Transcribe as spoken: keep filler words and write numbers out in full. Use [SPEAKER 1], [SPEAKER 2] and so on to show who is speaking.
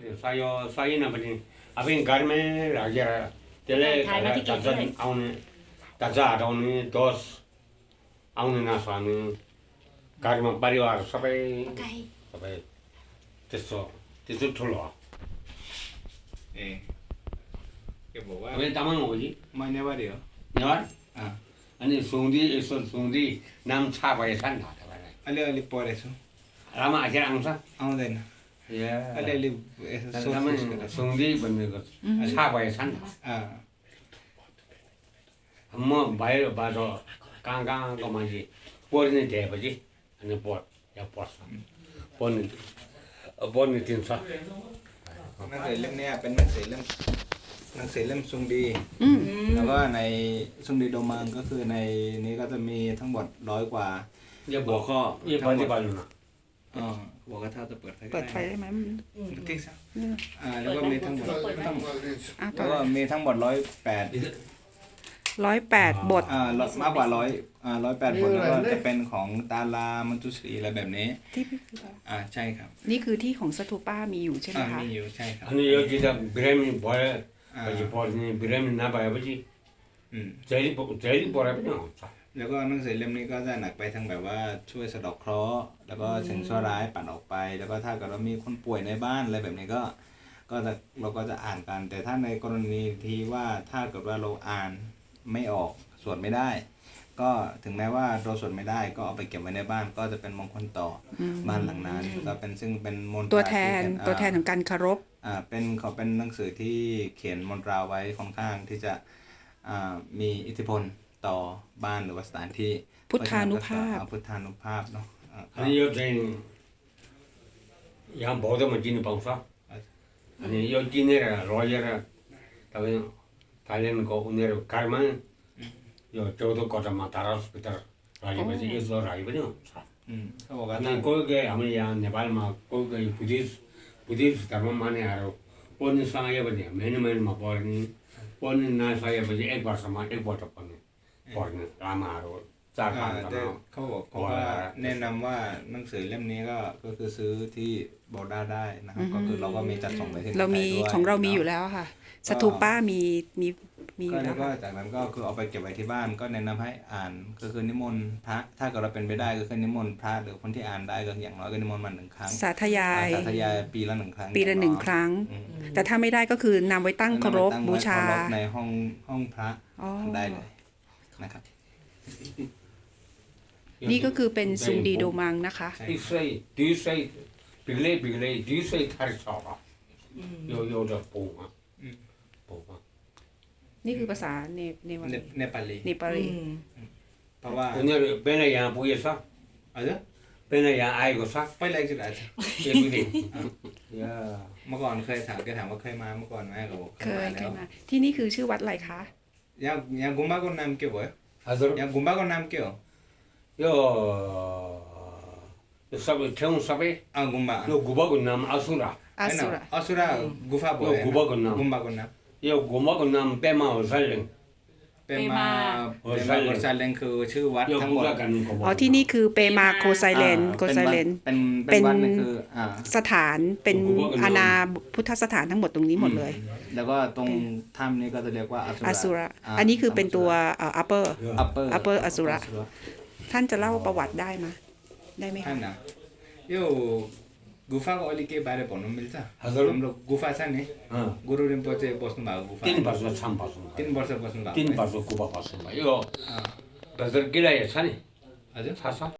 [SPEAKER 1] 쌓여 쌓이나 보니 앞에 garme raja tele taza aune taza aune dos aune nasani garme परिवार सबै सबै त्यस्तो त्यस्तो ठुलो हो
[SPEAKER 2] ए के भयो
[SPEAKER 1] अब तामाङ हो जी
[SPEAKER 2] म नेवारी हो
[SPEAKER 1] नेवार
[SPEAKER 2] अँ
[SPEAKER 1] अनि सुङ्दी यसो सुङ्दी नाम छा भएछ नि त तपाईँलाई
[SPEAKER 2] अलिअलि पढेछु
[SPEAKER 1] रामा आखिर आउँछ
[SPEAKER 2] आउँदैन
[SPEAKER 1] ए
[SPEAKER 2] अलिअलि यसो सोच
[SPEAKER 1] सुङ्दी भनेको छा भएछ नि त
[SPEAKER 2] अँ
[SPEAKER 1] म बाहिर बाटो कहाँ कहाँको मान्छे पढ्ने दिएपछि अनि पढ यहाँ पढ्छ पढ्ने पढ्ने दिन्छ
[SPEAKER 2] หนังสือเล่มนี้เป็นหนังสือเล่มหนังสือเล่มซุงดีแล้วก็ในซุงดีโดมังก็คือในนี้ก็จะมีทั้งหมดร้อยกว่า
[SPEAKER 1] อย่าบอกข้ออย่าปฏิบัตินะ
[SPEAKER 2] อ๋อบอกว่าถ้าจะเปิดไฟ
[SPEAKER 3] เปิดไฟได้ไหม
[SPEAKER 2] ติ๊กซะอ่าแล้วก็มีทั้งหมดทั้ง
[SPEAKER 3] อ่ะต่
[SPEAKER 2] แล้
[SPEAKER 3] อ
[SPEAKER 2] วก็มีทั้งหมดร้อยแปด
[SPEAKER 3] ร้อยแปดบท
[SPEAKER 2] อ่ามากกว่าร้อยอ่าร้อยแปดบทแล้วก็จะเป็นของตาลามันตุสีอะไรแบบนี้
[SPEAKER 3] ที่
[SPEAKER 2] อ่าใช่ครับ
[SPEAKER 3] นี่คือที่ของสตูป้ามีอยู่ใช่ไหม
[SPEAKER 2] อ่า
[SPEAKER 3] คะ
[SPEAKER 2] มีอยู่ใช่ครับ
[SPEAKER 1] अनि यो किताब बिरामी भयो पछि पढ्ने बिरामी नभएपछि
[SPEAKER 2] อืม
[SPEAKER 1] जहिले जहिले पढाए पनि हुन्छ
[SPEAKER 2] แล้วก็หนังสือเล่มนี้ก็จะหนักไปทางแบบว่าช่วยสะเดอกเคราะห์แล้วก็สิ่งชั่วร้ายปัดออกไป แล้วก็ถ้าเกิดว่ามีคนป่วยในบ้านอะไรแบบนี้ก็ก็จะเราก็จะอ่านกัน แต่ถ้าในกรณีที่ว่าถ้าเกิดว่าเราอ่านไม่ออกสวดไม่ได้ ก็ถึงแม้ว่าเราสวดไม่ได้ก็เอาไปเก็บไว้ในบ้านก็จะเป็นมงคลต่ออบ้านหลังนั้นก็เป็นซึ่งเป็นมนตรา
[SPEAKER 3] ตัวแทน
[SPEAKER 2] ที่เป็
[SPEAKER 3] ตัวแทนของการเคารพ
[SPEAKER 2] อ่าเป็นเขาเป็นหนังสือที่เขียนมนตราไว้ค่อนข้างที่จะอ่ามีอิทธิพลต่อบ้านหรือว่าสถานที่
[SPEAKER 3] พุทธานุภาพ
[SPEAKER 2] อ่พุทธานุภาพเนาะอ่า
[SPEAKER 1] अनि यो चाहिँ यहाँ बौद्धमा चिन्नु पाउँछ अनि यो किनेर लगेर तपाईँ थाइल्यान्डको उनीहरू कारमा यो चौध कटामा तारसभित्र राखेपछि यसो राखे पनि हुन्छ
[SPEAKER 2] อืมเขาบอกว่า
[SPEAKER 1] अनि कोही कोही हाम्रो यहाँ नेपालमा कोही कोही बुद्धिस्ट बुद्धिस्ट धर्म मानेहरू पढ्नु सकेपछि महिना महिनामा पढ्ने पढ्नु नसकेपछि एक वर्षमा एकपल्ट पढ्ने पढ्ने लामाहरू चार
[SPEAKER 2] อ่า
[SPEAKER 1] पाँचजना
[SPEAKER 2] แต่เขาบอกเขาว่าแนะนำว่าหนังสือเล่มนี้ก็ก็คือซื้อที่บอด้าได้นะครับก็คือเราก็มีจัดส่งไปที่
[SPEAKER 3] เรามี
[SPEAKER 2] ไทยด้วย
[SPEAKER 3] ของเรามี
[SPEAKER 2] นะ
[SPEAKER 3] อยู่แล้วค่ะ สตูป้ามีมีมีอ
[SPEAKER 2] ก็
[SPEAKER 3] ยู่แล้
[SPEAKER 2] แล้ว วก็
[SPEAKER 3] ค่ะ
[SPEAKER 2] จากนั้นก็คือเอาไปเก็บไว้ที่บ้านก็แนะนำให้อ่านก็คือนิมนต์พระถ้าเกิดเราเป็นไปได้ก็คือนิมนต์พระหรือคนที่อ่านได้ก็อย่างน้อยก็นิมนต์มาหนึ่งครั้ง
[SPEAKER 3] สาธยาย
[SPEAKER 2] อ่าสาธยายปีละหนึ่งครั้ง
[SPEAKER 3] ปีละหนึ่งครั้ง
[SPEAKER 2] อืม
[SPEAKER 3] แต่ถ้าไม่ได้ก็คือนำไว้ตั้งเคารพ
[SPEAKER 2] ตั้งไว้
[SPEAKER 3] บูชา
[SPEAKER 2] เครพในห้องห้องพระ
[SPEAKER 3] อ๋อ
[SPEAKER 2] ได้เลยนะครับ
[SPEAKER 3] นี่ก็คือเป็นซุงดีโดมังนะคะ
[SPEAKER 1] यसै दुई सय बिग्लै बिग्लै दुई सय थरी छ होला यो एउटा पौमा पौमा
[SPEAKER 3] นี่คือภาษาเนเนวา
[SPEAKER 2] เน
[SPEAKER 3] ลี
[SPEAKER 2] เนปาลี
[SPEAKER 3] เนปาลี
[SPEAKER 2] เพราะว่า
[SPEAKER 1] उनीहरू बेला यहाँ पुगेछ
[SPEAKER 2] อะไร
[SPEAKER 1] बेला यहाँ आएको छ
[SPEAKER 2] ไปแรกจุดอาจจะ
[SPEAKER 1] एक दुई दिन या
[SPEAKER 2] เมื่อก่อนเคยถามแกถามว่าเคยมาเมื่อก่อนไหมเขาบอก
[SPEAKER 3] เคย
[SPEAKER 2] มา
[SPEAKER 3] เค
[SPEAKER 2] แล้
[SPEAKER 3] ยว มาที่นี่คือชื่อวัดอะไรคะ
[SPEAKER 2] ยังยังกุมบ้าก็นำเกี่ยวไว้
[SPEAKER 1] हजुर
[SPEAKER 2] ยังกุมบ้าก็นำเกี่ยว
[SPEAKER 1] यो यो सबै ठाउँ सबै
[SPEAKER 2] อ่ากุมบ้า
[SPEAKER 1] यो गुम्बाको नाम असुरा
[SPEAKER 3] อาสุระ
[SPEAKER 2] อสุรากุฟาบ่อย
[SPEAKER 1] กุมบ้าก็นำ
[SPEAKER 2] กุมบ้าก็น
[SPEAKER 1] यो गुम्बाको नाम पेमा होसाइलेङ
[SPEAKER 2] ำเป็นมาเป็นมาบริษัทเลงคือชื่อวัด
[SPEAKER 1] यो
[SPEAKER 2] ทั้งหมด
[SPEAKER 1] बुढा कानुनको
[SPEAKER 3] อ๋อที่นี่คือเปมาโคไซเลน
[SPEAKER 2] อ่า
[SPEAKER 3] โคไซเลน
[SPEAKER 2] เป็น
[SPEAKER 3] เป็
[SPEAKER 2] เป็น
[SPEAKER 3] น
[SPEAKER 2] วัดนี่คืออ่า
[SPEAKER 3] สถานเป็นอาณาพุทธสถานทั้งหมดตรงนี้หมดเลย
[SPEAKER 2] แล้วก็ตรงถ้ำนี้ก็จะเรียกว่าอสุ
[SPEAKER 3] อา
[SPEAKER 2] ระ
[SPEAKER 3] สุระ อันนี้คือเป็นตัวเอ่อ upper
[SPEAKER 2] upper
[SPEAKER 3] upper อสุระ ท่านจะเล่าประวัติได้ไหมได้ไหม
[SPEAKER 2] है
[SPEAKER 3] คะ
[SPEAKER 2] ना यो गुफा को अलिक के बारे भन्नु मिल्छ
[SPEAKER 1] हजुर।
[SPEAKER 2] हाम्रो गुफा छ नि
[SPEAKER 1] अँ,
[SPEAKER 2] गुरु रिम्पोचे बस्नु भएको गुफा
[SPEAKER 1] तिन वर्ष छाम बस्नु
[SPEAKER 2] तिन वर्ष बस्नु भएको
[SPEAKER 1] तिन
[SPEAKER 2] है?
[SPEAKER 1] वर्ष गुम्बा बस्नु भयो यो
[SPEAKER 2] अँ,
[SPEAKER 1] हजुर गिलाइ छ नि
[SPEAKER 2] हजुर
[SPEAKER 1] थाहा छ